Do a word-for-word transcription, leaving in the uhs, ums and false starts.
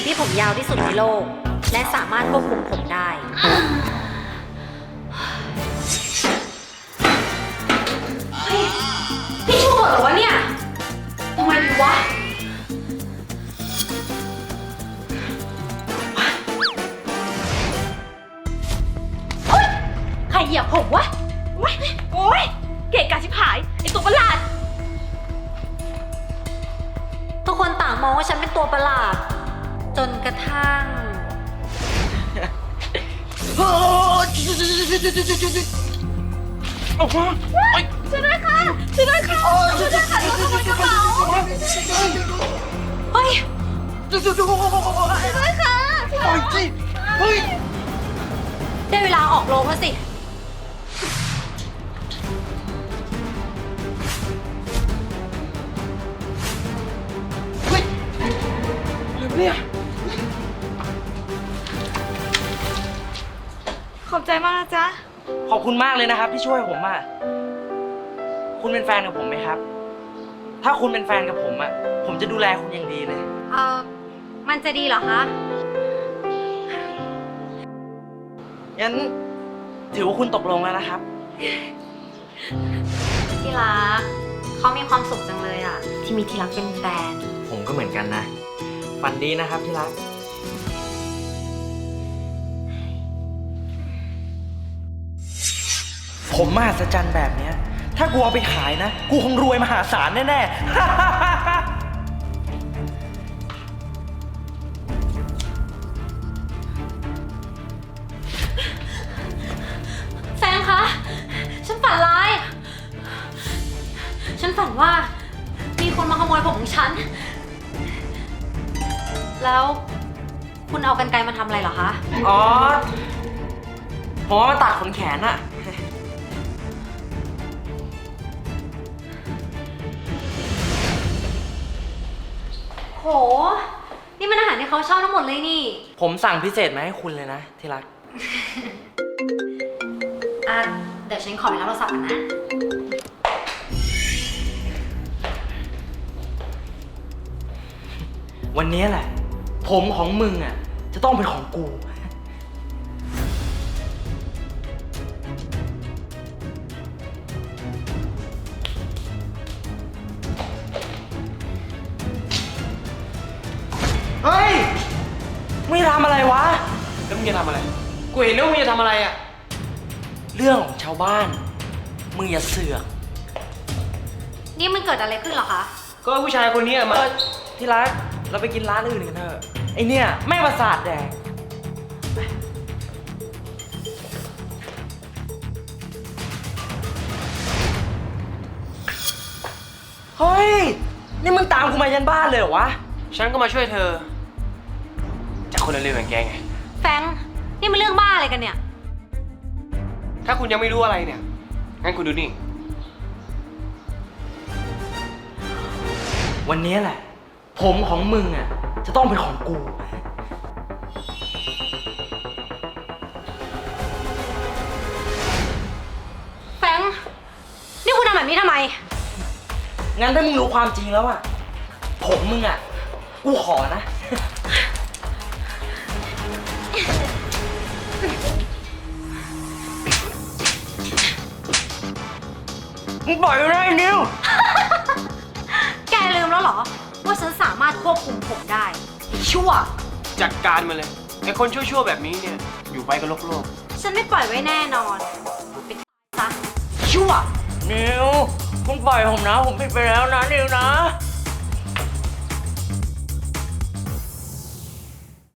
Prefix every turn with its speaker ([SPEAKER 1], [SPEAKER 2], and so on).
[SPEAKER 1] งที่ผมยาวที่สุดในโลกและสามารถควบคุมผมได้เฮ้ยพี่ชูหมดเหรอวะเนี่ยทำไมดีวะเฮ้ยใครเหยียบผมวะโอ๊ยโอ๊ยเกะกะชิบหายไอตัวประหลาดทุกคนต่างมองว่าฉันเป็นตัวประหลาดจนกระทั่ง
[SPEAKER 2] ออกมา
[SPEAKER 1] ช่วยด้วยค่ะช่วยด้วยค่ะช่วยด้วยค่ะโดนขโมยกระเป๋าเฮ้ยช่วยด้วยค่ะปล่อยสิเฮ้ยได้เวลาออกโรงแล้วสิ
[SPEAKER 2] เฮ้ยอะไรเนี่ย
[SPEAKER 3] ขอบใจมากนะจ๊ะ
[SPEAKER 2] ขอบคุณมากเลยนะครับที่ช่วยผมอ่ะคุณเป็นแฟนกับผมไหมครับถ้าคุณเป็นแฟนกับผมอ่ะผมจะดูแลคุณอย่างดีเลย
[SPEAKER 1] เออมันจะดีเหรอคะ
[SPEAKER 2] งั้นถือว่าคุณตกลงแล้วนะครับ
[SPEAKER 1] ที่รักเขามีความสุขจังเลยอ่ะที่มีที่รักเป็นแฟน
[SPEAKER 2] ผมก็เหมือนกันนะฝันดีนะครับที่รักผมมหัศจรรย์แบบเนี้ยถ้ากูเอาไปขายนะกูคงรวยมหาศาลแน่ๆ
[SPEAKER 1] แฟนคะฉันฝันร้ายฉันฝันว่ามีคนมาขโมยผมของฉันแล้วคุณเอากรรไกรมาทำอะไรเหรอคะ
[SPEAKER 2] อ๋อผมว่ามาตัดขนแขนอะ
[SPEAKER 1] โหนี่มันอาหารที่เขาชอบทั้งหมดเลยนี่
[SPEAKER 2] ผมสั่งพิเศษมาให้คุณเลยนะที่รัก
[SPEAKER 1] อ่ะเดี๋ยวฉันขอไปรับโทรศัพท์ก่อนนะ
[SPEAKER 2] วันนี้แหละผมของมึงอ่ะจะต้องเป็นของกูเฮ้ยมึงจะทำอะไรวะแล้วมึงจะทำอะไรกูเห็นว่ามึงจะทำอะไรอ่ะเรื่องของชาวบ้านมึงอย่าเสือก
[SPEAKER 1] นี่มันเกิดอะไรขึ้นเหรอคะ
[SPEAKER 2] ก็ผู้ชายคนนี้มาที่รักเราไปกินร้านอื่นกันเถอะไอเนี่ยแม่งประสาทแดงเฮ้ยนี่มึงตามกูมายันบ้านเลยเหรอวะฉันก็มาช่วยเธอจากคนเร็วๆอย่างแกไง
[SPEAKER 1] แฟงนี่มันเรื่องบ้าอะไรกันเนี่ย
[SPEAKER 2] ถ้าคุณยังไม่รู้อะไรเนี่ยงั้นคุณดูนี่วันนี้แหละผมของมึงอ่ะจะต้องเป็นของกู
[SPEAKER 1] แฟงนี่คุณทำแบบนี้ทำไม
[SPEAKER 2] งั้นถ้ามึงรู้ความจริงแล้วอ่ะผมมึงอ่ะกูขอนะมึงปล่อยไปได้นิว
[SPEAKER 1] แกลืมแล้วเหรอว่าฉันสามารถควบคุมผมได้ชั่ว
[SPEAKER 2] จัดการมาเลยไอ้คนชั่วๆแบบนี้เนี่ยอยู่ไปกับโลกโลก
[SPEAKER 1] ฉันไม่ปล่อยไว้แน่นอนเป็นซะ
[SPEAKER 2] ชั่วนิวมึงปล่อยผมนะผมผิดไปแล้วนะนิวนะ